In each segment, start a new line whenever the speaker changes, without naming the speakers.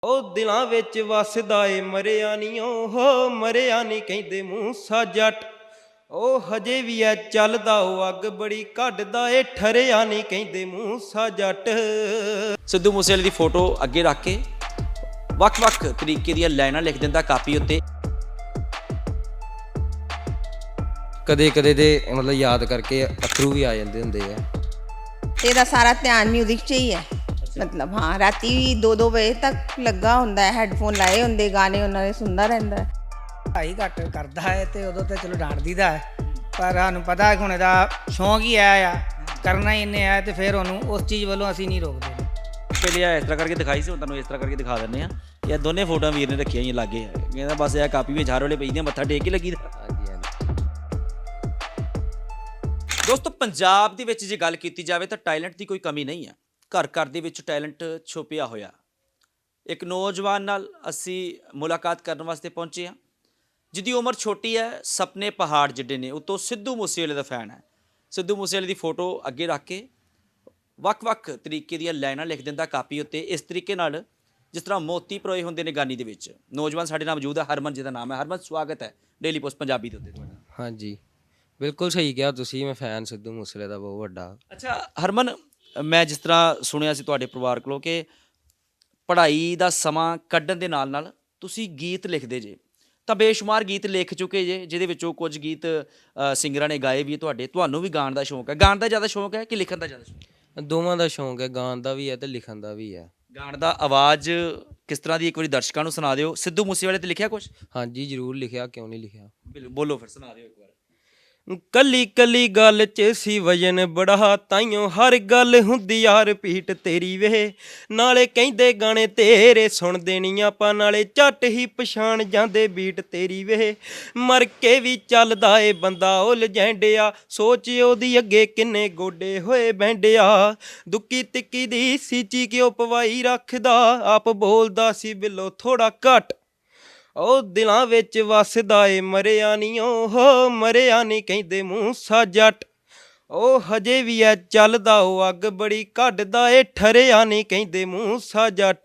ਉਹ ਦਿਲਾਂ ਵਿੱਚ ਵਸਦਾ ਏ ਮਰਿਆ ਨੀ ਉਹ ਮਰਿਆ ਨੀ ਕਹਿੰਦੇ ਮੂਸਾ ਜੱਟ। ਉਹ ਹਜੇ ਵੀ ਐ ਚੱਲਦਾ ਉਹ ਅੱਗ ਬੜੀ ਕੱਢਦਾ ਏ ਠਰਿਆ ਨੀ ਕਹਿੰਦੇ ਮੂਸਾ ਜੱਟ।
ਸਿੱਧੂ ਮੂਸੇਵਾਲੇ ਦੀ ਫੋਟੋ ਅੱਗੇ ਰੱਖ ਕੇ ਵੱਖ-ਵੱਖ ਤਰੀਕੇ ਦੀਆਂ ਲਾਈਨਾਂ ਲਿਖ ਦਿੰਦਾ ਕਾਪੀ ਉੱਤੇ।
ਕਦੇ ਕਦੇ ਦੇ ਮਤਲਬ ਯਾਦ ਕਰਕੇ ਅਥਰੂ ਵੀ ਆ ਜਾਂਦੇ ਹੁੰਦੇ ਆ।
ਇਹਦਾ ਸਾਰਾ ਧਿਆਨ ਮਿਊਜ਼ਿਕ 'ਚ ਹੀ ਹੈ। ਮਤਲਬ ਹਾਂ ਰਾਤੀ 2-2 ਵਜੇ ਤੱਕ ਲੱਗਾ ਹੁੰਦਾ ਹੈ, ਹੈੱਡਫੋਨ ਲਾਏ ਹੁੰਦੇ, ਗਾਣੇ ਉਹਨਾਂ ਦੇ ਸੁਣਦਾ ਰਹਿੰਦਾ ਹੈ।
ਪੜ੍ਹਾਈ ਘੱਟ ਕਰਦਾ ਹੈ ਤੇ ਉਦੋਂ ਤਾਂ ਚਲੋ ਡਾਂਟ ਦੀਦਾ ਹੈ, ਪਰ ਸਾਨੂੰ ਪਤਾ ਹੈ ਕਿ ਹੁਣ ਇਹਦਾ ਸ਼ੌਂਕ ਹੀ ਆਇਆ ਆ, ਕਰਨਾ ਹੀ ਇਹਨੇ ਆ, ਤੇ ਫਿਰ ਉਹਨੂੰ ਉਸ ਚੀਜ਼ ਵੱਲੋਂ ਅਸੀਂ ਨਹੀਂ ਰੋਕਦੇ।
ਪਹਿਲੇ ਆ ਇਸ ਤਰ੍ਹਾਂ ਕਰਕੇ ਦਿਖਾਈ ਸੀ, ਹੁਣ ਤੁਹਾਨੂੰ ਇਸ ਤਰ੍ਹਾਂ ਕਰਕੇ ਦਿਖਾ ਦਿੰਦੇ ਆ। ਇਹ ਦੋਨੇ ਫੋਟੋਆਂ ਵੀਰ ਨੇ ਰੱਖੀਆਂ ਹੋਈਆਂ ਲਾਗੇ, ਕਹਿੰਦਾ ਬਸ ਇਹ ਕਾਪੀ ਵਿੱਚ ਹਰ ਵੇਲੇ ਪਈਦੀਆਂ, ਮੱਥਾ ਟੇਕ ਕੇ ਲੱਗੀ ਦਾ। ਦੋਸਤੋ, ਪੰਜਾਬ ਦੇ ਵਿੱਚ ਜੇ ਗੱਲ ਕੀਤੀ ਜਾਵੇ ਤਾਂ ਟੈਲੈਂਟ ਦੀ ਕੋਈ ਕਮੀ ਨਹੀਂ ਹੈ। ਘਰ ਘਰ ਦੇ ਵਿੱਚ ਟੈਲੈਂਟ ਛੁਪਿਆ ਹੋਇਆ। ਇੱਕ ਨੌਜਵਾਨ ਨਾਲ ਅਸੀਂ ਮੁਲਾਕਾਤ ਕਰਨ ਵਾਸਤੇ ਪਹੁੰਚੇ ਹਾਂ, ਜਿਹਦੀ ਉਮਰ ਛੋਟੀ ਹੈ, ਸੁਪਨੇ ਪਹਾੜ ਜਿੱਡੇ ਨੇ, ਉੱਤੋਂ ਸਿੱਧੂ ਮੂਸੇਵਾਲੇ ਦਾ ਫੈਨ ਹੈ। ਸਿੱਧੂ ਮੂਸੇਵਾਲੇ ਦੀ ਫੋਟੋ ਅੱਗੇ ਰੱਖ ਕੇ ਵੱਖ-ਵੱਖ ਤਰੀਕੇ ਦੀਆਂ ਲਾਈਨਾਂ ਲਿਖ ਦਿੰਦਾ ਕਾਪੀ ਉੱਤੇ, ਇਸ ਤਰੀਕੇ ਨਾਲ ਜਿਸ ਤਰ੍ਹਾਂ ਮੋਤੀ ਪਰੋਏ ਹੁੰਦੇ ਨੇ ਗਾਨੀ ਦੇ ਵਿੱਚ। ਨੌਜਵਾਨ ਸਾਡੇ ਨਾਲ ਮੌਜੂਦ ਹੈ, ਹਰਮਨ ਜਿਹਦਾ ਨਾਮ ਹੈ। ਹਰਮਨ, ਸਵਾਗਤ ਹੈ ਡੇਲੀ ਪੋਸਟ ਪੰਜਾਬੀ ਦੇ ਉੱਤੇ ਤੁਹਾਡਾ।
ਹਾਂਜੀ, ਬਿਲਕੁਲ ਸਹੀ ਕਿਹਾ ਤੁਸੀਂ। ਮੈਂ ਫੈਨ ਸਿੱਧੂ ਮੂਸੇਵਾਲੇ ਦਾ ਬਹੁਤ ਵੱਡਾ।
ਅੱਛਾ ਹਰਮਨ, ਮੈਂ ਜਿਸ ਤਰ੍ਹਾਂ ਸੁਣਿਆ ਸੀ ਤੁਹਾਡੇ ਪਰਿਵਾਰ ਕੋਲੋਂ ਕਿ ਪੜ੍ਹਾਈ ਦਾ ਸਮਾਂ ਕੱਢਣ ਦੇ ਨਾਲ ਨਾਲ ਤੁਸੀਂ ਗੀਤ ਲਿਖਦੇ ਜੇ, ਤਾਂ ਬੇਸ਼ੁਮਾਰ ਗੀਤ ਲਿਖ ਚੁੱਕੇ ਜੇ, ਜਿਹਦੇ ਵਿੱਚੋਂ ਕੁਝ ਗੀਤ ਸਿੰਗਰਾਂ ਨੇ ਗਾਏ ਵੀ ਤੁਹਾਡੇ। ਤੁਹਾਨੂੰ ਵੀ ਗਾਣ ਦਾ ਸ਼ੌਂਕ ਹੈ? ਗਾਣ ਦਾ ਜ਼ਿਆਦਾ ਸ਼ੌਂਕ ਹੈ ਕਿ ਲਿਖਣ ਦਾ ਜ਼ਿਆਦਾ ਸ਼ੌਂਕ ਹੈ?
ਦੋਵਾਂ ਦਾ ਸ਼ੌਂਕ ਹੈ, ਗਾਣ ਦਾ ਵੀ ਹੈ ਤੇ ਲਿਖਣ ਦਾ ਵੀ ਹੈ।
ਗਾਣ ਦਾ ਆਵਾਜ਼ ਕਿਸ ਤਰ੍ਹਾਂ ਦੀ, ਇੱਕ ਵਾਰੀ ਦਰਸ਼ਕਾਂ ਨੂੰ ਸੁਣਾ ਦਿਓ। ਸਿੱਧੂ ਮੂਸੇਵਾਲੇ ਤੇ ਲਿਖਿਆ ਕੁਛ?
ਹਾਂਜੀ ਜ਼ਰੂਰ ਲਿਖਿਆ, ਕਿਉਂ ਨਹੀਂ ਲਿਖਿਆ।
ਬੋਲੋ ਫਿਰ, ਸੁਣਾ ਦਿਓ ਇੱਕ ਵਾਰ।
ਕੱਲੀ ਕੱਲੀ ਗੱਲ 'ਚ ਸੀ ਵਜਨ ਬੜਾ, ਤਾਈਓ ਹਰ ਗੱਲ ਹੁੰਦੀ ਯਾਰ ਰਿਪੀਟ ਤੇਰੀ ਵੇ। ਨਾਲੇ ਕਹਿੰਦੇ ਗਾਣੇ ਤੇਰੇ ਸੁਣਦੇ ਨਹੀਂ ਆਪਾਂ, ਨਾਲੇ ਝੱਟ ਹੀ ਪਛਾਣ ਜਾਂਦੇ ਬੀਟ ਤੇਰੀ ਵੇ। ਮਰ ਕੇ ਵੀ ਚੱਲਦਾ ਏ ਬੰਦਾ ਉਹ ਲਜੈਂਡਿਆ, ਸੋਚ ਉਹਦੀ ਅੱਗੇ ਕਿੰਨੇ ਗੋਡੇ ਹੋਏ ਬੈਂਡਿਆ। ਦੁੱਕੀ ਤਿੱਕੀ ਦੀ ਸੀਚੀ ਕਿਉਂ ਪਵਾਈ ਰੱਖਦਾ, ਆਪ ਬੋਲਦਾ ਸੀ ਬਿੱਲੋ ਥੋੜਾ ਘੱਟ। ਉਹ ਦਿਲਾਂ ਵਿੱਚ ਵਸਦਾ ਏ ਮਰਿਆ ਨੀ ਉਹ ਮਰਿਆ ਨੀ ਕਹਿੰਦੇ ਮੂਸਾ ਜੱਟ। ਉਹ ਹਜੇ ਵੀ ਐ ਚੱਲਦਾ ਉਹ ਅੱਗ ਬੜੀ ਕੱਢਦਾ ਏ ਠਰਿਆ ਨੀ ਕਹਿੰਦੇ ਮੂਸਾ ਜੱਟ।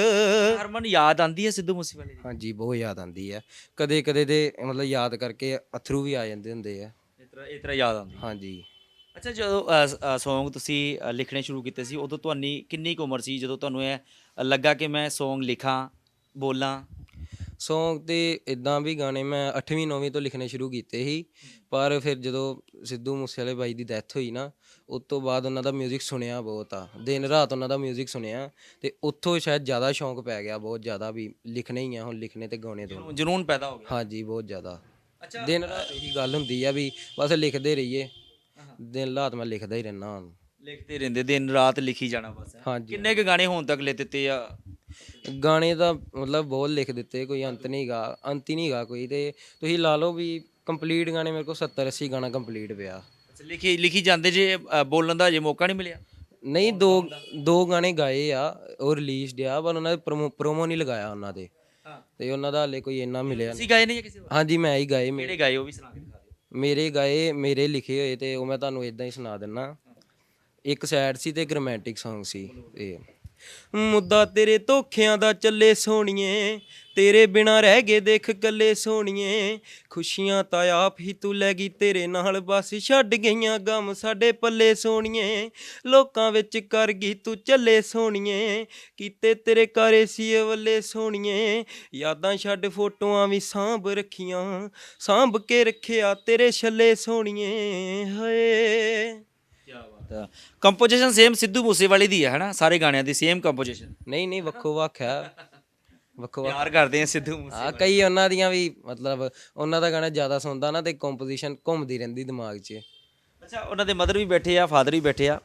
ਹਰਮਨ, ਯਾਦ ਆਂਦੀ ਹੈ ਸਿੱਧੂ ਮੂਸੇਵਾਲੇ ਦੀ?
ਹਾਂਜੀ, ਬਹੁਤ ਯਾਦ ਆਉਂਦੀ ਹੈ। ਕਦੇ ਕਦੇ ਦੇ ਮਤਲਬ ਯਾਦ ਕਰਕੇ ਅਥਰੂ ਵੀ ਆ ਜਾਂਦੇ ਹੁੰਦੇ ਆ।
ਇਸ ਤਰ੍ਹਾਂ ਯਾਦ ਆਉਂਦੀ?
ਹਾਂਜੀ।
ਅੱਛਾ, ਜਦੋਂ ਸੌਂਗ ਤੁਸੀਂ ਲਿਖਣੇ ਸ਼ੁਰੂ ਕੀਤੇ ਸੀ, ਉਦੋਂ ਤੁਹਾਡੀ ਕਿੰਨੀ ਕੁ ਉਮਰ ਸੀ ਜਦੋਂ ਤੁਹਾਨੂੰ ਇਹ ਲੱਗਾ ਕਿ ਮੈਂ ਸੌਂਗ ਲਿਖਾਂ, ਬੋਲਾਂ?
ਸੌਂਗ ਤੇ ਇੱਦਾਂ ਵੀ ਗਾਣੇ ਮੈਂ 8ਵੀਂ 9ਵੀਂ ਤੋਂ ਲਿਖਣੇ ਸ਼ੁਰੂ ਕੀਤੇ ਸੀ, ਪਰ ਫਿਰ ਜਦੋਂ ਸਿੱਧੂ ਮੂਸੇਵਾਲੇ ਬਾਈ ਦੀ ਡੈਥ ਹੋਈ ਨਾ, ਉਸ ਤੋਂ ਬਾਅਦ ਉਹਨਾਂ ਦਾ ਮਿਊਜ਼ਿਕ ਸੁਣਿਆ ਬਹੁਤ ਆ, ਦਿਨ ਰਾਤ ਉਹਨਾਂ ਦਾ ਮਿਊਜ਼ਿਕ ਸੁਣਿਆ, ਤੇ ਉੱਥੋਂ ਸ਼ਾਇਦ ਜ਼ਿਆਦਾ ਸ਼ੌਂਕ ਪੈ ਗਿਆ, ਬਹੁਤ ਜ਼ਿਆਦਾ, ਵੀ ਲਿਖਣੇ ਹੀ ਆ ਹੁਣ, ਲਿਖਣੇ ਤੇ ਗਾਉਣੇ ਤੋਂ
ਜਨੂਨ ਪੈਦਾ ਹੋ ਗਿਆ?
ਹਾਂਜੀ, ਬਹੁਤ ਜ਼ਿਆਦਾ।
ਅੱਛਾ,
ਦਿਨ ਰਾਤ ਇਹੀ ਗੱਲ ਹੁੰਦੀ ਆ ਵੀ ਬਸ ਲਿਖਦੇ ਰਹੀਏ, ਦਿਨ ਰਾਤ ਮੈਂ ਲਿਖਦਾ ਹੀ ਰਹਿਣਾ ਹੁਣ।
ਲਿਖਦੇ ਰਹਿੰਦੇ, ਦਿਨ ਰਾਤ ਲਿਖੀ ਜਾਣਾ ਬਸ।
ਹਾਂਜੀ।
ਕਿੰਨੇ ਕੁ ਗਾਣੇ ਹੁਣ ਤੱਕ ਲਿਖ ਦਿੱਤੇ ਆ?
ਗਾਣੇ ਦਾ ਮਤਲਬ ਬਹੁਤ ਲਿਖ ਦਿੱਤੇ, ਕੋਈ ਅੰਤ ਨਹੀਂ ਗਾ, ਅੰਤ ਹੀ ਨਹੀਂ ਗਾ ਕੋਈ। ਤੇ ਤੁਸੀਂ ਲਾ ਲਓ ਵੀ ਕੰਪਲੀਟ ਗਾਣੇ ਮੇਰੇ ਕੋਲ 70-80 ਗਾਣਾ ਕੰਪਲੀਟ ਪਿਆ।
ਅੱਛਾ, ਲਿਖੀ ਜਾਂਦੇ ਜੇ, ਬੋਲਣ ਦਾ ਅਜੇ ਮੌਕਾ ਨਹੀਂ ਮਿਲਿਆ?
ਨਹੀਂ, ਦੋ ਗਾਣੇ ਗਾਏ ਆ, ਉਹ ਰਿਲੀਜ਼ਡ ਆ, ਪਰ ਉਹਨਾਂ ਦੇ ਪ੍ਰੋਮੋ ਨਹੀਂ ਲਗਾਇਆ ਉਹਨਾਂ ਦੇ, ਤੇ ਉਹਨਾਂ ਦਾ ਹਾਲੇ ਕੋਈ ਇੰਨਾ ਮਿਲਿਆ ਨਹੀਂ।
ਤੁਸੀਂ ਗਾਏ ਨਹੀਂ ਜਾਂ ਕਿਸੇ ਹੋਰ?
ਹਾਂਜੀ, ਮੈਂ ਹੀ ਗਾਏ।
ਕਿਹੜੇ ਗਾਏ ਉਹ ਵੀ ਸੁਣਾ ਕੇ ਦਿਖਾ ਦਿਓ।
ਮੇਰੇ ਗਾਏ, ਮੇਰੇ ਲਿਖੇ ਹੋਏ, ਤੇ ਉਹ ਮੈਂ ਤੁਹਾਨੂੰ ਇਦਾਂ ਹੀ ਸੁਣਾ ਦਿੰਦਾ। ਇੱਕ ਸੈਡ ਸੀ ਤੇ ਇੱਕ ਰੋਮਾਂਟਿਕ ਸੌਂਗ ਸੀ। ਤੇ ਮੁੱਦਾ ਤੇਰੇ ਧੋਖਿਆਂ ਦਾ ਚੱਲੇ ਸੋਹਣੀਏ, ਤੇਰੇ ਬਿਨਾ ਰਹਿ ਗਏ ਦੇਖ ਕੱਲੇ ਸੋਹਣੀਏ। ਖੁਸ਼ੀਆਂ ਤਾਂ ਆਪ ਹੀ ਤੂੰ ਲੈ ਗਈ ਤੇਰੇ ਨਾਲ, ਬਸ ਛੱਡ ਗਈਆਂ ਗਮ ਸਾਡੇ ਪੱਲੇ ਸੋਹਣੀਏ। ਲੋਕਾਂ ਵਿੱਚ ਕਰ ਗਈ ਤੂੰ ਚੱਲੇ ਸੋਹਣੀਏ, ਕੀਤੇ ਤੇਰੇ ਕਾਰੇ ਸੀ ਵੱਲੇ ਸੋਹਣੀਏ। ਯਾਦਾਂ ਛੱਡ ਫੋਟੋਆਂ ਵੀ ਸਾਂਭ ਰੱਖੀਆਂ, ਸਾਂਭ ਕੇ ਰੱਖਿਆ ਤੇਰੇ ਛੱਲੇ ਸੋਹਣੀਏ। ਹਾਏ।
ਕੰਪੋਜੀਸ਼ਨ ਸੇਮ ਸਿੱਧੂ ਮੂਸੇਵਾਲੇ ਦੀ ਹੈ ਨਾ? ਸਾਰੇ ਗਾਣਿਆਂ ਦੀ ਸੇਮ ਕੰਪੋਜੀਸ਼ਨ?
ਨਹੀਂ ਨਹੀਂ, ਵੱਖੋ ਵੱਖ ਹੈ, ਵੱਖੋ ਵੱਖ।
ਪਿਆਰ ਕਰਦੇ ਆ ਸਿੱਧੂ ਮੂਸੇ?
ਹਾਂ, ਕਈ ਉਹਨਾਂ ਦੀਆਂ ਵੀ, ਮਤਲਬ ਉਹਨਾਂ ਦਾ ਗਾਣਾ ਜ਼ਿਆਦਾ ਸੁਣਦਾ ਨਾ, ਤੇ ਕੰਪੋਜੀਸ਼ਨ ਘੁੰਮਦੀ ਰਹਿੰਦੀ ਦਿਮਾਗ 'ਚ।
ਅੱਛਾ, ਉਹਨਾਂ ਦੇ ਮਦਰ ਵੀ ਬੈਠੇ ਆ, ਫਾਦਰ ਵੀ ਬੈਠੇ ਆ।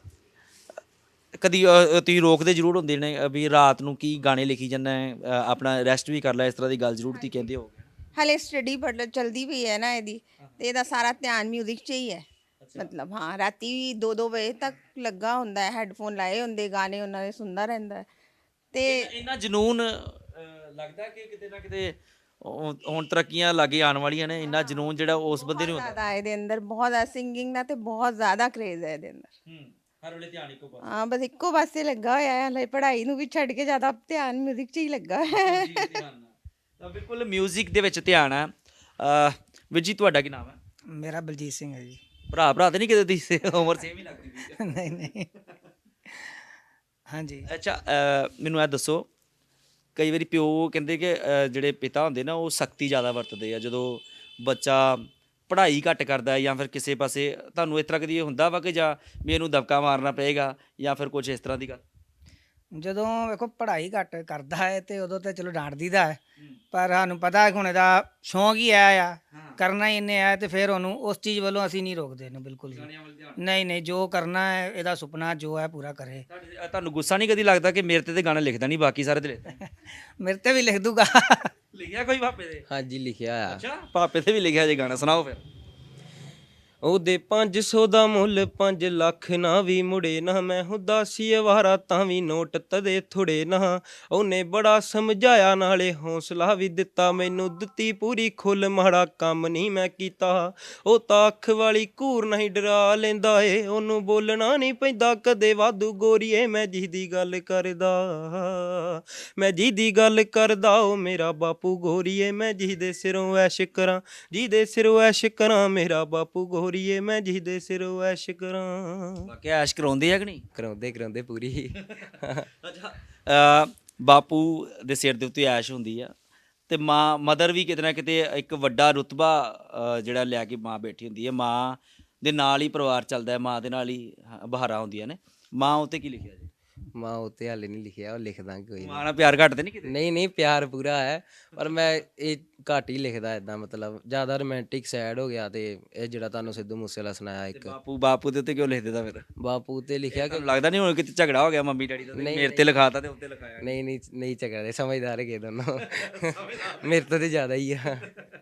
ਕਦੀ ਤੁਸੀਂ ਰੋਕਦੇ ਜ਼ਰੂਰ ਹੁੰਦੇ ਨੇ ਵੀ ਰਾਤ ਨੂੰ ਕੀ ਗਾਣੇ ਲਿਖੀ ਜਾਂਦਾ ਹੈ, ਆਪਣਾ ਰੈਸਟ ਵੀ ਕਰ ਲੈ, ਇਸ ਤਰ੍ਹਾਂ ਦੀ ਗੱਲ ਜ਼ਰੂਰ ਤੁਸੀਂ ਕਹਿੰਦੇ ਹੋ?
ਹਾਲੇ ਸਟੱਡੀ ਚਲਦੀ ਪਈ ਹੈ ਨਾ ਇਹਦੀ, ਤੇ ਇਹਦਾ ਸਾਰਾ ਧਿਆਨ ਮਿਊਜ਼ਿਕ 'ਚ ਹੀ ਹੈ। ਮਤਲਬ ਹਾਂ ਰਾਤੀ 2-2 ਵਜੇ ਤੱਕ ਲੱਗਾ ਹੁੰਦਾ ਹੈ, ਹੈੱਡਫੋਨ ਲਾਏ ਹੁੰਦੇ, ਗਾਣੇ ਉਹਨਾਂ ਦੇ ਸੁਣਦਾ ਰਹਿੰਦਾ ਹੈ। ਤੇ
ਇੰਨਾ ਜਨੂਨ ਲੱਗਦਾ ਕਿ ਕਿਤੇ ਨਾ ਕਿਤੇ ਹੁਣ ਤਰੱਕੀਆਂ ਲਾਗੇ ਆਉਣ ਵਾਲੀਆਂ ਨੇ, ਇੰਨਾ ਜਨੂਨ ਜਿਹੜਾ ਉਸ ਬੰਦੇ ਨੂੰ ਹੁੰਦਾ?
ਜ਼ਿਆਦਾ ਇਹਦੇ ਅੰਦਰ ਬਹੁਤ ਜ਼ਿਆਦਾ ਸਿੰਗਿੰਗ ਦਾ ਤੇ ਬਹੁਤ ਜ਼ਿਆਦਾ ਕ੍ਰੇਜ਼ ਹੈ ਇਹਦੇ ਅੰਦਰ।
ਹਰ ਵੇਲੇ ਧਿਆਨ ਇੱਕੋ ਪਾਸੇ
ਹਾਂ ਬਸ ਇੱਕੋ ਪਾਸੇ ਲੱਗਾ ਹੋਇਆ ਹੈ, ਹਲੇ ਪੜ੍ਹਾਈ ਨੂੰ ਵੀ ਛੱਡ ਕੇ ਜ਼ਿਆਦਾ ਧਿਆਨ ਮਿਊਜ਼ਿਕ 'ਚ ਹੀ ਲੱਗਾ ਹੈ।
ਤਾਂ ਬਿਲਕੁਲ ਮਿਊਜ਼ਿਕ ਦੇ ਵਿੱਚ ਧਿਆਨ ਹੈ। ਵੀਰ ਜੀ ਤੁਹਾਡਾ ਕੀ ਨਾਮ ਹੈ?
ਮੇਰਾ ਬਲਜੀਤ ਸਿੰਘ ਹੈ ਜੀ।
ਭਰਾ ਤੇ ਨਹੀਂ ਕਿਤੇ ਦੀ ਉਮਰ ਸੇਮ ਹੀ ਲੱਗਦੀ ਪਈ
ਨਹੀਂ ਨਹੀਂ ਹਾਂਜੀ।
ਅੱਛਾ ਮੈਨੂੰ ਇਹ ਦੱਸੋ, ਕਈ ਵਾਰੀ ਪਿਓ ਕਹਿੰਦੇ ਕਿ ਜਿਹੜੇ ਪਿਤਾ ਹੁੰਦੇ ਨਾ ਉਹ ਸਖਤੀ ਜ਼ਿਆਦਾ ਵਰਤਦੇ ਆ ਜਦੋਂ ਬੱਚਾ ਪੜ੍ਹਾਈ ਘੱਟ ਕਰਦਾ ਹੈ ਜਾਂ ਫਿਰ ਕਿਸੇ ਪਾਸੇ। ਤੁਹਾਨੂੰ ਇਸ ਤਰ੍ਹਾਂ ਕਦੀ ਹੁੰਦਾ ਵਾ ਕਿ ਜਾਂ ਵੀ ਇਹਨੂੰ ਦਬਕਾ ਮਾਰਨਾ ਪਏਗਾ ਜਾਂ ਫਿਰ ਕੁਝ ਇਸ ਤਰ੍ਹਾਂ ਦੀ ਗੱਲ?
ਜਦੋਂ ਵੇਖੋ ਪੜ੍ਹਾਈ ਘੱਟ ਕਰਦਾ ਹੈ ਤੇ ਉਦੋਂ ਤੇ ਚਲੋ ਡਾਂਟ ਦੀਦਾ ਹੈ, ਪਰ ਸਾਨੂੰ ਪਤਾ ਹੈ ਕਿ ਹੁਣ ਇਹਦਾ ਸ਼ੌਂਕ ਹੀ ਆਇਆ ਆ, ਕਰਨਾ ਹੀ ਇਹਨੇ ਆ, ਤੇ ਫਿਰ ਉਹਨੂੰ ਉਸ ਚੀਜ਼ ਵੱਲੋਂ ਅਸੀਂ ਨਹੀਂ ਰੋਕਦੇ ਇਹਨੂੰ ਬਿਲਕੁਲ ਵੀ। ਨਹੀਂ ਨਹੀਂ, ਜੋ ਕਰਨਾ ਹੈ ਇਹਦਾ ਸੁਪਨਾ ਜੋ ਹੈ ਪੂਰਾ ਕਰੇ।
ਤੁਹਾਨੂੰ ਗੁੱਸਾ ਨਹੀਂ ਕਦੀ ਲੱਗਦਾ ਕਿ ਮੇਰੇ ਤੇ ਗਾਣਾ ਲਿਖਦਾ ਨਹੀਂ, ਬਾਕੀ ਸਾਰੇ ਤੇ ਲਿਖਦਾ?
ਮੇਰੇ ਤੇ ਵੀ ਲਿਖ ਦੂਗਾ।
ਲਿਖਿਆ ਕੋਈ ਪਾਪੇ ਦੇ?
ਹਾਂਜੀ ਲਿਖਿਆ ਆ।
ਅੱਛਾ ਪਾਪੇ ਤੇ ਵੀ ਲਿਖਿਆ ਜੇ ਗਾਣਾ, ਸੁਣਾਓ ਫਿਰ।
ਉਹਦੇ 500 ਦਾ ਮੁੱਲ 5 ਲੱਖ ਨਾ ਵੀ ਮੁੜੇ ਨਾ, ਮੈਂ ਉਦਾਸੀ ਅਵਾਰਾ ਤਾਂ ਵੀ ਨੋਟ ਤਦੇ ਥੋੜੇ ਨਾ। ਉਹਨੇ ਬੜਾ ਸਮਝਾਇਆ ਨਾਲੇ ਹੌਸਲਾ ਵੀ ਦਿੱਤਾ, ਮੈਨੂੰ ਦਿੱਤੀ ਪੂਰੀ ਖੁੱਲ, ਮਾੜਾ ਕੰਮ ਨਹੀਂ ਮੈਂ ਕੀਤਾ। ਉਹ ਤਾਂ ਅੱਖ ਵਾਲੀ ਘੂਰ ਨਹੀਂ ਡਰਾ ਲੈਂਦਾ ਏ, ਉਹਨੂੰ ਬੋਲਣਾ ਨਹੀਂ ਪੈਂਦਾ ਕਦੇ ਵਾਧੂ ਗੋਰੀਏ, ਮੈਂ ਜਿਹਦੀ ਗੱਲ ਕਰਦਾ, ਮੈਂ ਜਿਹਦੀ ਗੱਲ ਕਰਦਾ ਉਹ ਮੇਰਾ ਬਾਪੂ ਗੋਰੀਏ, ਮੈਂ ਜਿਹਦੇ ਸਿਰੋਂ ਐਸ਼ ਕਰਾਂ, ਜਿਹਦੇ ਸਿਰੋਂ ਐਸ਼ ਕਰਾਂ, ਮੇਰਾ ਬਾਪੂ ਗੋਰੀਏ, ਮੈਂ ਜਿਹਦੇ ਸਿਰੋਂ ਐਸ਼ ਕਰਾਂ।
ਬਾਕੀ ਐਸ਼ ਕਰਾਉਂਦੇ ਆ ਕਿ ਨਹੀਂ?
ਕਰਾਉਂਦੇ ਪੂਰੀ।
ਅੱਛਾ ਬਾਪੂ ਦੇ ਸਿਰ ਦੇ ਉੱਤੇ ਐਸ਼ ਹੁੰਦੀ ਆ ਤੇ ਮਦਰ ਵੀ ਕਿਤੇ ਨਾ ਕਿਤੇ ਇੱਕ ਵੱਡਾ ਰੁਤਬਾ ਜਿਹੜਾ ਲੈ ਕੇ ਮਾਂ ਬੈਠੀ ਹੁੰਦੀ ਹੈ। ਮਾਂ ਦੇ ਨਾਲ ਹੀ ਪਰਿਵਾਰ ਚੱਲਦਾ ਹੈ, ਮਾਂ ਦੇ ਨਾਲ ਹੀ ਬਹਾਰਾਂ ਹੁੰਦੀਆਂ ਨੇ। ਮਾਂ ਉੱਤੇ ਕੀ ਲਿਖਿਆ ਜੀ?
ਮਾਂ ਉੱਤੇ ਹਾਲੇ ਨਹੀਂ ਲਿਖਿਆ, ਉਹ ਲਿਖ ਦਾਂਗੇ ਕੋਈ
ਮਾਂ ਨਾਲ ਪਿਆਰ ਘੱਟ ਤੇ ਨਹੀਂ ਕਿਤੇ?
ਨਹੀਂ ਪਿਆਰ ਪੂਰਾ ਹੈ, ਪਰ ਮੈਂ ਇਹ ਘੱਟ ਹੀ ਲਿਖਦਾ ਇਦਾਂ, ਮਤਲਬ ਜ਼ਿਆਦਾ ਰੋਮਾਂਟਿਕ ਸੈਡ ਹੋ ਗਿਆ। ਤੇ ਇਹ ਜਿਹੜਾ ਤੁਹਾਨੂੰ ਸਿੱਧੂ ਮੂਸੇਵਾਲਾ ਸੁਣਾਇਆ ਇੱਕ,
ਬਾਪੂ ਦੇ ਉੱਤੇ ਕਿਉਂ ਲਿਖ ਦਿੰਦਾ ਫਿਰ?
ਬਾਪੂ ਤੇ ਲਿਖਿਆ ਕਿ
ਲੱਗਦਾ ਨਹੀਂ ਹੁਣ ਕਿਤੇ ਝਗੜਾ ਹੋ ਗਿਆ ਮੰਮੀ ਡੈਡੀ ਦਾ, ਮੇਰੇ ਤੇ ਲਿਖਾਤਾ ਤੇ ਉੱਤੇ ਲਿਖਾਇਆ?
ਨਹੀਂ ਝਗੜਦੇ, ਸਮਝਦਾਰ ਹੈਗੇ ਦੋਨੋਂ। ਮੇਰੇ ਤੋਂ ਤੇ ਜ਼ਿਆਦਾ ਹੀ ਆ।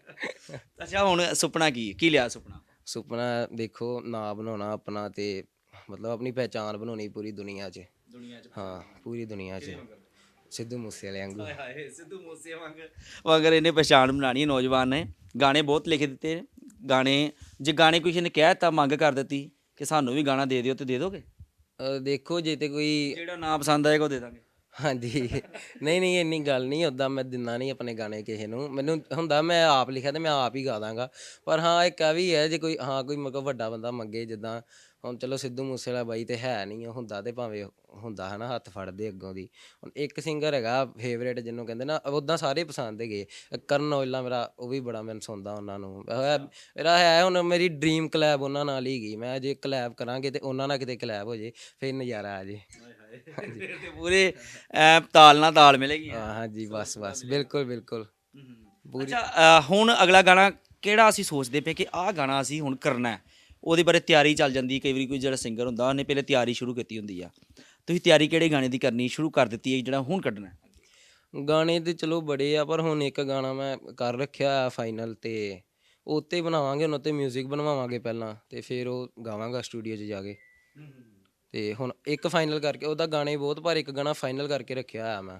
ਅੱਛਾ ਹੁਣ ਸੁਪਨਾ ਕੀ ਲਿਆ ਸੁਪਨਾ?
ਸੁਪਨਾ ਦੇਖੋ ਨਾਂ ਬਣਾਉਣਾ ਆਪਣਾ, ਤੇ ਮਤਲਬ ਆਪਣੀ ਪਹਿਚਾਣ ਬਣਾਉਣੀ ਪੂਰੀ ਦੁਨੀਆ 'ਚ। ਹਾਂ ਪੂਰੀ ਦੁਨੀਆ 'ਚ ਸਿੱਧੂ ਮੂਸੇਵਾਲੇ ਵਾਂਗੂ।
ਹਾਏ ਸਿੱਧੂ ਮੂਸੇ ਵਾਂਗਰ ਇਹਨੇ ਪਛਾਣ ਬਣਾਉਣੀ ਹੈ। ਨੌਜਵਾਨ ਨੇ ਗਾਣੇ ਬਹੁਤ ਲਿਖ ਦਿੱਤੇ ਨੇ। ਜੇ ਗਾਣੇ ਕਿਸੇ ਨੇ ਕਹਿ ਦਿੱਤਾ, ਮੰਗ ਕਰ ਦਿੱਤੀ ਕਿ ਸਾਨੂੰ ਵੀ ਗਾਣਾ ਦੇ ਦਿਓ, ਤੇ ਦੇ ਦੋਗੇ?
ਦੇਖੋ ਜੇ ਤੇ ਕੋਈ
ਜਿਹੜਾ ਨਾਂ ਪਸੰਦ ਆਏਗਾ ਉਹ ਦੇ ਦਾਂਗੇ।
ਹਾਂਜੀ ਨਹੀਂ ਇੰਨੀ ਗੱਲ ਨਹੀਂ, ਉੱਦਾਂ ਮੈਂ ਦਿੰਦਾ ਨਹੀਂ ਆਪਣੇ ਗਾਣੇ ਕਿਸੇ ਨੂੰ। ਮੈਨੂੰ ਹੁੰਦਾ ਮੈਂ ਆਪ ਲਿਖਿਆ ਤੇ ਮੈਂ ਆਪ ਹੀ ਗਾ ਦਾਂਗਾ। ਪਰ ਹਾਂ ਇੱਕ ਆ ਵੀ ਹੈ, ਜੇ ਕੋਈ ਕੋਈ ਮਤਲਬ ਵੱਡਾ ਬੰਦਾ ਮੰਗੇ, ਜਿੱਦਾਂ ਹੁਣ ਚਲੋ ਸਿੱਧੂ ਮੂਸੇਵਾਲਾ ਬਾਈ ਤੇ ਹੈ ਨਹੀਂ, ਹੁੰਦਾ ਤੇ ਭਾਵੇਂ ਹੁੰਦਾ ਹੈ ਨਾ, ਹੱਥ ਫੜਦੇ ਅੱਗੋਂ ਦੀ। ਹੁਣ ਇੱਕ ਸਿੰਗਰ ਹੈਗਾ ਫੇਵਰੇਟ ਜਿਹਨੂੰ ਕਹਿੰਦੇ ਨਾ, ਉੱਦਾਂ ਸਾਰੇ ਪਸੰਦ ਹੈਗੇ। ਕਰਨ ਔਜਲਾ ਮੇਰਾ, ਉਹ ਵੀ ਬੜਾ ਮੈਨੂੰ ਸੁਣਦਾ ਉਹਨਾਂ ਨੂੰ। ਮੇਰਾ ਹੈ ਹੁਣ ਮੇਰੀ ਡਰੀਮ ਕਲੈਬ ਉਹਨਾਂ ਨਾਲ ਹੀ ਗਈ। ਮੈਂ ਜੇ ਕਲੈਬ ਕਰਾਂਗੇ ਤੇ ਉਹਨਾਂ ਨਾਲ ਕਿਤੇ ਕਲੈਬ ਹੋ ਜੇ, ਫਿਰ ਨਜ਼ਾਰਾ ਆ ਜੇ।
ਤੇ ਪੂਰੇ ਤਾਲ ਨਾਲ ਤਾਲ ਮਿਲੇਗੀ।
ਹਾਂਜੀ ਬਸ ਬਿਲਕੁਲ।
ਅੱਛਾ ਹੁਣ ਅਗਲਾ ਗਾਣਾ ਕਿਹੜਾ ਅਸੀਂ ਸੋਚਦੇ ਪਏ ਕਿ ਆਹ ਗਾਣਾ ਅਸੀਂ ਹੁਣ ਕਰਨਾ ਹੈ? ਉਹਦੇ ਬਾਰੇ ਤਿਆਰੀ ਚੱਲ ਜਾਂਦੀ। ਕਈ ਵਾਰੀ ਕੋਈ ਜਿਹੜਾ ਸਿੰਗਰ ਹੁੰਦਾ ਉਹਨੇ ਪਹਿਲੇ ਤਿਆਰੀ ਸ਼ੁਰੂ ਕੀਤੀ ਹੁੰਦੀ ਆ। ਤੁਸੀਂ ਤਿਆਰੀ ਕਿਹੜੇ ਗਾਣੇ ਦੀ ਕਰਨੀ ਸ਼ੁਰੂ ਕਰ ਦਿੱਤੀ ਹੈ ਜਿਹੜਾ ਹੁਣ ਕੱਢਣਾ?
ਗਾਣੇ ਤੇ ਚਲੋ ਬੜੇ ਆ, ਪਰ ਹੁਣ ਇੱਕ ਗਾਣਾ ਮੈਂ ਕਰ ਰੱਖਿਆ ਆ ਫਾਈਨਲ, ਤੇ ਉੱਤੇ ਬਣਾਵਾਂਗੇ, ਉਹਨਾਂ ਤੇ ਮਿਊਜ਼ਿਕ ਬਣਵਾਵਾਂਗੇ ਪਹਿਲਾਂ, ਤੇ ਫਿਰ ਉਹ ਗਾਵਾਂਗਾ ਸਟੂਡੀਓ 'ਚ ਜਾ ਕੇ। ਤੇ ਹੁਣ ਇੱਕ ਫਾਈਨਲ ਕਰਕੇ, ਉਹਦਾ ਗਾਣੇ ਬਹੁਤ, ਪਰ ਇੱਕ ਗਾਣਾ ਫਾਈਨਲ ਕਰਕੇ ਰੱਖਿਆ ਹੋਇਆ ਮੈਂ।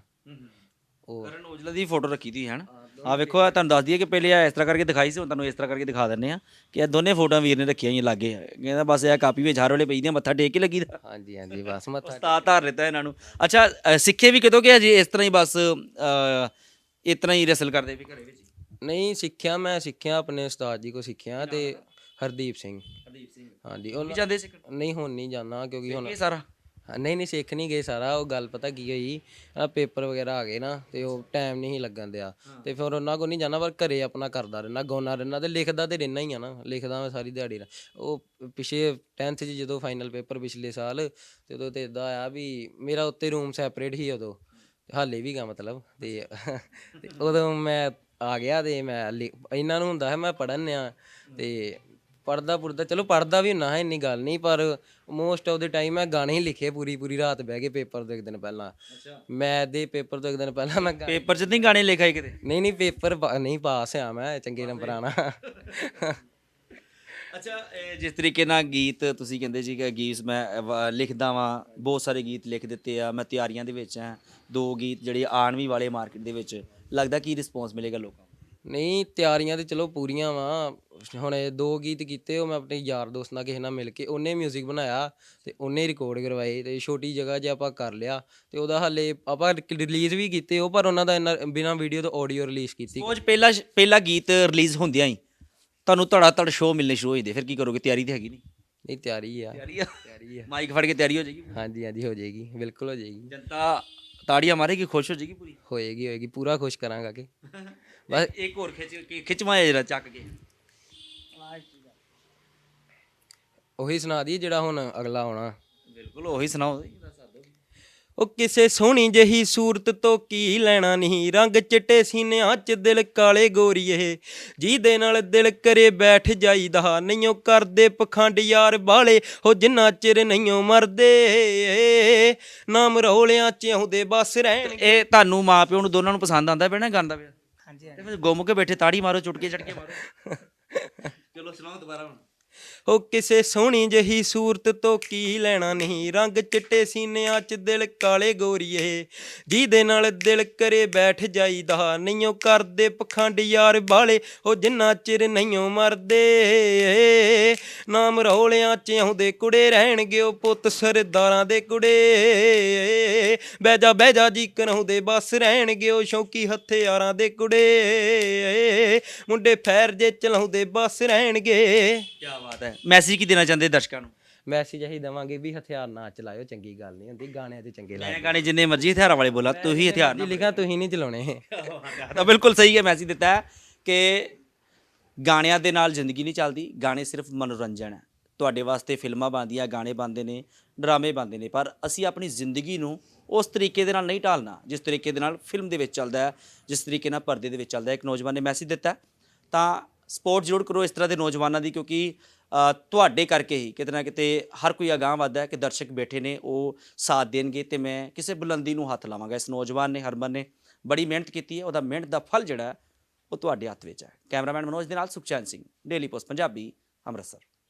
ਉਹ
ਕਰਨ ਔਜਲਾ ਦੀ ਫੋਟੋ ਰੱਖੀ ਤੀ ਹੈ ਨਾ? ਆ ਵੇਖੋ, ਆ ਤੁਹਾਨੂੰ ਦੱਸ ਦਈਏ ਕਿ ਪਹਿਲੇ ਆ ਇਸ ਤਰ੍ਹਾਂ ਕਰਕੇ ਦਿਖਾਈ ਸੀ, ਹੁਣ ਤੁਹਾਨੂੰ ਇਸ ਤਰ੍ਹਾਂ ਕਰਕੇ ਦਿਖਾ ਦਿੰਦੇ ਆ ਕਿ ਇਹ ਦੋਨੇ ਫੋਟੋਆਂ ਵੀਰ ਨੇ ਰੱਖੀਆਂ ਹੋਈਆਂ ਲਾਗੇ। ਕਹਿੰਦਾ ਬਸ ਇਹ ਕਾਪੀ ਵਿੱਚ ਹਰ ਵੇਲੇ ਪਈਦੀਆਂ, ਮੱਥਾ ਟੇਕ ਕੇ ਲੱਗੀਦਾ।
ਹਾਂਜੀ ਬਸ ਮੱਥਾ
ਉਸਤਾਦ ਧਾਰ ਲਿੱਤਾ ਇਹਨਾਂ ਨੂੰ। ਅੱਛਾ ਸਿੱਖੇ ਵੀ ਕਿਤੋਂ ਕਿ ਅਜੇ ਇਸ ਤਰ੍ਹਾਂ ਹੀ ਬਸ ਇਸ ਤਰ੍ਹਾਂ ਹੀ ਰਸਲ ਕਰਦੇ ਵੀ ਘਰੇ ਵਿੱਚ?
ਨਹੀਂ ਮੈਂ ਸਿੱਖਿਆ ਆਪਣੇ ਉਸਤਾਦ ਜੀ ਕੋਲ ਸਿੱਖਿਆ, ਤੇ ਹਰਦੀਪ ਸਿੰਘ। ਹਾਂਜੀ ਉਹ
ਜਾਂਦੇ ਸਿੱਖਣ?
ਨਹੀਂ ਹੁਣ ਨਹੀਂ ਜਾਂਦਾ, ਕਿਉਂਕਿ ਹੁਣ
ਸਾਰਾ
ਨਹੀਂ ਸਿੱਖ ਨਹੀਂ ਗਏ ਸਾਰਾ। ਉਹ ਗੱਲ ਪਤਾ ਕੀ ਹੋਈ, ਪੇਪਰ ਵਗੈਰਾ ਆ ਗਏ ਨਾ, ਤੇ ਉਹ ਟਾਈਮ ਨਹੀਂ ਲੱਗਣ ਦਿਆ, ਤੇ ਫਿਰ ਉਹਨਾਂ ਕੋਲ ਨਹੀਂ ਜਾਣਾ, ਪਰ ਘਰੇ ਆਪਣਾ ਕਰਦਾ ਰਹਿਣਾ, ਗਾਉਂਦਾ ਰਹਿਣਾ, ਤੇ ਲਿਖਦਾ ਤੇ ਰਹਿਣਾ ਹੀ ਆ ਨਾ। ਲਿਖਦਾ ਮੈਂ ਸਾਰੀ ਦਿਹਾੜੀ ਨਾਲ। ਉਹ ਪਿਛੇ 10th 'ਚ ਜਦੋਂ ਫਾਈਨਲ ਪੇਪਰ ਪਿਛਲੇ ਸਾਲ, ਤੇ ਉਦੋਂ ਤਾਂ ਇੱਦਾਂ ਆਇਆ ਵੀ ਮੇਰਾ ਉੱਤੇ ਰੂਮ ਸੈਪਰੇਟ ਸੀ ਉਦੋਂ, ਹਾਲੇ ਵੀ ਗਾ ਮਤਲਬ। ਤੇ ਉਦੋਂ ਮੈਂ ਆ ਗਿਆ, ਤੇ ਮੈਂ ਇਹਨਾਂ ਨੂੰ ਹੁੰਦਾ ਹੈ ਮੈਂ ਪੜ੍ਹਨ ਆ, ਤੇ ਪੜ੍ਹਦਾ ਚਲੋ ਪੜ੍ਹਦਾ ਵੀ ਹੁੰਦਾ ਹੈ, ਇੰਨੀ ਗੱਲ ਨਹੀਂ, ਪਰ ਮੋਸਟ ਆਫ ਦੇ ਟਾਈਮ ਮੈਂ ਗਾਣੇ ਹੀ ਲਿਖੇ ਪੂਰੀ ਰਾਤ ਬਹਿ ਕੇ ਪੇਪਰ ਤੋਂ ਇੱਕ ਦਿਨ ਪਹਿਲਾਂ। ਮੈਥ ਦੇ ਪੇਪਰ ਤੋਂ ਇੱਕ ਦਿਨ ਪਹਿਲਾਂ ਮੈਂ
ਪੇਪਰ 'ਚ ਨਹੀਂ ਗਾਣੇ ਲਿਖਾਏ ਕਿਤੇ?
ਨਹੀਂ ਪੇਪਰ ਨਹੀਂ, ਪਾਸ ਆ ਮੈਂ ਚੰਗੇ ਨੰਬਰਾਂ ਨਾਲ।
ਅੱਛਾ ਜਿਸ ਤਰੀਕੇ ਨਾਲ ਗੀਤ ਤੁਸੀਂ ਕਹਿੰਦੇ ਸੀ ਕਿ ਗੀਤ ਮੈਂ ਲਿਖਦਾ ਵਾਂ, ਬਹੁਤ ਸਾਰੇ ਗੀਤ ਲਿਖ ਦਿੱਤੇ ਆ, ਮੈਂ ਤਿਆਰੀਆਂ ਦੇ ਵਿੱਚ ਹਾਂ, 2 ਗੀਤ ਜਿਹੜੇ ਆਉਣ ਵੀ ਵਾਲੇ ਮਾਰਕੀਟ ਦੇ ਵਿੱਚ, ਲੱਗਦਾ ਕੀ ਰਿਸਪੌਂਸ ਮਿਲੇਗਾ ਲੋਕਾਂ ਨੂੰ?
ਨਹੀਂ ਤਿਆਰੀਆਂ ਤੇ ਚਲੋ ਪੂਰੀਆਂ ਵਾ। ਹੁਣ ਇਹ 2 ਗੀਤ ਕੀਤੇ ਉਹ ਮੈਂ ਆਪਣੇ ਯਾਰ ਦੋਸਤ ਨਾਲ ਕਿਸੇ ਨਾਲ ਮਿਲ ਕੇ, ਉਹਨੇ ਮਿਊਜ਼ਿਕ ਬਣਾਇਆ ਤੇ ਉਹਨੇ ਰਿਕਾਰਡ ਕਰਵਾਏ ਤੇ ਛੋਟੀ ਜਗ੍ਹਾ 'ਚ ਆਪਾਂ ਕਰ ਲਿਆ ਤੇ ਉਹਦਾ ਹਾਲੇ ਆਪਾਂ ਰਿਲੀਜ਼ ਵੀ ਕੀਤੇ ਉਹ, ਪਰ ਉਹਨਾਂ ਦਾ ਇੰਨਾ ਬਿਨਾਂ ਵੀਡੀਓ ਤੋਂ ਆਡੀਓ ਰਿਲੀਜ਼ ਕੀਤੀ।
ਸੋਚ ਪਹਿਲਾ ਗੀਤ ਰਿਲੀਜ਼ ਹੁੰਦਿਆਂ ਹੀ ਤੁਹਾਨੂੰ ਧੜਾ ਧੜ ਸ਼ੋਅ ਮਿਲਣੇ ਸ਼ੁਰੂ ਹੋ ਜਾਂਦੇ, ਫਿਰ ਕੀ ਕਰੋਗੇ? ਤਿਆਰੀ ਤੇ ਹੈਗੀ ਨਹੀਂ?
ਨਹੀਂ ਤਿਆਰੀ ਆ,
ਤਿਆਰੀ ਆ,
ਤਿਆਰੀ ਆ।
ਮਾਈਕ ਫੜ ਕੇ ਤਿਆਰੀ ਹੋ ਜਾਏਗੀ?
ਹਾਂਜੀ ਹਾਂਜੀ ਹੋ ਜਾਏਗੀ, ਬਿਲਕੁਲ ਹੋ ਜਾਏਗੀ,
ਜਨਤਾ ਤਾੜੀਆਂ ਮਾਰੇਗੀ, ਖੁਸ਼ ਹੋ ਜਾਏਗੀ ਪੂਰੀ?
ਹੋਏਗੀ ਹੋਏਗੀ, ਪੂਰਾ ਖੁਸ਼ ਕਰਾਂਗਾ ਕਿ ਬਸ।
ਇੱਕ ਹੋਰ ਖਿੱਚਵਾਇਆ ਜਰਾ ਚੱਕ ਕੇ
ਉਹੀ ਸੁਣਾ ਦੀ ਜਿਹੜਾ ਹੁਣ ਅਗਲਾ ਆਉਣਾ।
ਬਿਲਕੁਲ ਉਹੀ ਸੁਣਾਓ।
ਉਹ ਕਿਸੇ ਸੋਹਣੀ ਜਿਹੀ ਸੂਰਤ ਤੋਂ ਕੀ ਲੈਣਾ ਨਹੀਂ, ਰੰਗ ਚਿੱਟੇ ਸੀਨਿਆਂ 'ਚ ਦਿਲ ਕਾਲੇ ਗੋਰੀਏ, ਜਿਹਦੇ ਨਾਲ ਦਿਲ ਕਰੇ ਬੈਠ ਜਾਈਦਾ, ਨਹੀਂਓ ਕਰਦੇ ਪਖੰਡ ਯਾਰ ਬਾਲੇ ਹੋ ਜਿੰਨਾ ਚਿਰ ਨਹੀਂਓ ਮਰਦੇ, ਨਾਮ ਰੌਲਿਆਂ 'ਚ ਆਉਂਦੇ ਬਸ ਰਹਿਣ।
ਇਹ ਤੁਹਾਨੂੰ ਮਾਂ ਪਿਓ ਨੂੰ ਦੋਨਾਂ ਨੂੰ ਪਸੰਦ ਆਉਂਦਾ ਪਿਆ ਨਾ ਗਾਉਂਦਾ ਪਿਆ?
ਹਾਂਜੀ
ਤੇ ਫਿਰ ਗੁੰਮ ਕੇ ਬੈਠੇ ਤਾੜੀ ਮਾਰੋ, ਚੁਟਕੇ ਚਟਕੇ ਮਾਰੋ। ਚਲੋ ਸੁਣਾਓ ਦੁਬਾਰਾ ਹੁਣ।
ਉਹ ਕਿਸੇ ਸੋਹਣੀ ਜਿਹੀ ਸੂਰਤ ਤੋਂ ਕੀ ਲੈਣਾ ਨਹੀਂ, ਰੰਗ ਚਿੱਟੇ ਸੀਨਿਆਂ 'ਚ ਦਿਲ ਕਾਲੇ ਗੋਰੀਏ, ਜਿਹਦੇ ਨਾਲ ਦਿਲ ਕਰੇ ਬੈਠ ਜਾਈਦਾ, ਨਹੀਂਓ ਕਰਦੇ ਪਖੰਡ ਯਾਰ ਬਾਲੇ ਉਹ ਜਿੰਨਾ ਚਿਰ ਨਹੀਂਓ ਮਰਦੇ, ਨਾਮ ਰੌਲਿਆਂ 'ਚ ਆਉਂਦੇ ਕੁੜੇ ਰਹਿਣਗੇ ਉਹ ਪੁੱਤ ਸਰਦਾਰਾਂ ਦੇ ਕੁੜੇ, ਬਹਿ ਜਾ ਜੀ ਕਰਾਉਂਦੇ ਬਸ ਰਹਿਣਗੇ ਉਹ ਸ਼ੌਕੀ ਹਥਿਆਰਾਂ ਦੇ ਕੁੜੇ, ਮੁੰਡੇ ਫੈਰ ਜੇ ਚਲਾਉਂਦੇ ਬਸ ਰਹਿਣਗੇ।
ਕੀ ਬਾਤ ਹੈ। ਮੈਸੇਜ ਕੀ ਦੇਣਾ ਚਾਹੁੰਦੇ ਦਰਸ਼ਕਾਂ ਨੂੰ?
ਮੈਸੇਜ ਇਹੀ ਦੇਵਾਂਗੇ ਵੀ ਹਥਿਆਰ ਨਾ ਚਲਾਇਓ, ਚੰਗੀ ਗੱਲ ਨਹੀਂ ਹੁੰਦੀ, ਗਾਣਿਆਂ ਤੇ ਚੰਗੇ
ਮੈਂ
ਲੱਗਦੇ।
ਗਾਣੇ ਜਿੰਨੇ ਮਰਜ਼ੀ ਹਥਿਆਰਾਂ ਵਾਲੇ ਬੋਲਾ, ਤੁਸੀਂ ਹਥਿਆਰ
ਜੀ
ਨਾ
ਲਿਖਾ ਤੁਸੀਂ ਨਹੀਂ ਚਲਾਉਣੇ।
ਤਾਂ ਬਿਲਕੁਲ ਸਹੀ ਹੈ ਮੈਸੇਜ ਦਿੱਤਾ ਹੈ ਕਿ ਗਾਣਿਆਂ ਦੇ ਨਾਲ ਜ਼ਿੰਦਗੀ ਨਹੀਂ ਚੱਲਦੀ, ਗਾਣੇ ਸਿਰਫ ਮਨੋਰੰਜਨ ਹੈ। ਤੁਹਾਡੇ ਵਾਸਤੇ ਫਿਲਮਾਂ ਬਣਦੀਆਂ, ਗਾਣੇ ਬਣਦੇ ਨੇ, ਡਰਾਮੇ ਬਣਦੇ ਨੇ, ਪਰ ਅਸੀਂ ਆਪਣੀ ਜ਼ਿੰਦਗੀ ਨੂੰ ਉਸ ਤਰੀਕੇ ਦੇ ਨਾਲ ਨਹੀਂ ਢਾਲਣਾ ਜਿਸ ਤਰੀਕੇ ਦੇ ਨਾਲ ਫਿਲਮ ਦੇ ਵਿੱਚ ਚੱਲਦਾ ਹੈ, ਜਿਸ ਤਰੀਕੇ ਨਾਲ ਪਰਦੇ ਦੇ ਵਿੱਚ ਚੱਲਦਾ ਹੈ। ਇੱਕ ਨੌਜਵਾਨ ਨੇ ਮੈਸੇਜ ਦਿੱਤਾ, ਤਾਂ ਸਪੋਰਟ ਜ਼ਰੂਰ ਕਰੋ ਇਸ ਤਰ੍ਹਾਂ ਦੇ ਨੌਜਵਾਨਾਂ ਦੀ, ਕਿਉਂਕਿ ਤੁਹਾਡੇ ਕਰਕੇ ਹੀ ਕਿਤੇ ਨਾ ਕਿਤੇ ਹਰ ਕੋਈ ਅਗਾਂਹ ਵੱਧਦਾ ਹੈ ਕਿ ਦਰਸ਼ਕ ਬੈਠੇ ਨੇ ਉਹ ਸਾਥ ਦੇਣਗੇ ਤੇ ਮੈਂ ਕਿਸੇ ਬੁਲੰਦੀ ਨੂੰ ਹੱਥ ਲਾਵਾਂਗਾ। ਇਸ ਨੌਜਵਾਨ ਨੇ, ਹਰਮਨ ਨੇ ਬੜੀ ਮਿਹਨਤ ਕੀਤੀ ਹੈ, ਉਹਦਾ ਮਿਹਨਤ ਦਾ ਫਲ ਜਿਹੜਾ ਉਹ ਤੁਹਾਡੇ ਹੱਥ ਵਿੱਚ ਹੈ। ਕੈਮਰਾਮੈਨ ਮਨੋਜ ਦੇ ਨਾਲ ਸੁਖਚੈਨ ਸਿੰਘ, ਡੇਲੀ ਪੋਸਟ ਪੰਜਾਬੀ, ਅੰਮ੍ਰਿਤਸਰ।